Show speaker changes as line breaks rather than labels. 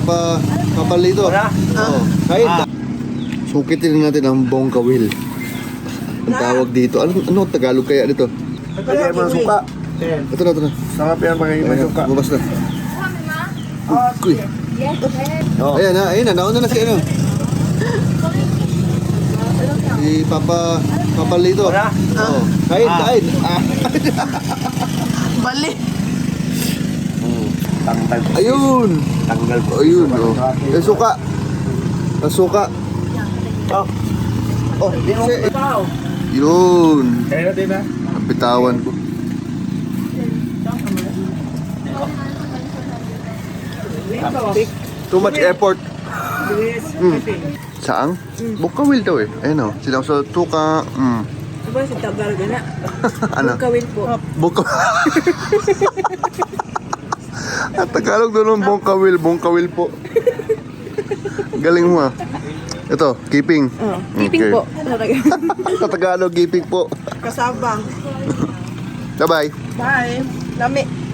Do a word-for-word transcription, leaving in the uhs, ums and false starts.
Papa, Papa Lito. Oo. Kahit sukitin natin ang bongkawil. Ang tawag dito. Ano, ano Tagalog kaya dito?
Kaya mo suka.
Ito na, ito na.
Sarap yan pag may suka.
Bumabas na. Uy. Ayan na, ayan na. Nauna na si ano. Si Papa, Papa Lito. Oo. Kahit, kahit. Ah.
Bali.
Tanggal.
Ayun.
Tanggal po.
Ayun. Oh. Eh, suka. Ang suka.
Oh. Oh, di mo
Si-
tao.
Yun.
Kaya natin na.
Ang bitawan ko. Too much effort. Mm. Saang? Bukawil daw eh. Ayun o. Sila sa tuka. Mm.
Aba, sa Tagalog na.
Ano?
Kawin po.
Buka. At Tagalog doon ng bongkawil. Bongkawil po. Galing mo ah. Ito, keeping.
Oh, keeping
Okay.
po. Talaga.
Sa Tagalog, keeping po.
Kasabang.
Bye-bye.
Bye. Lami.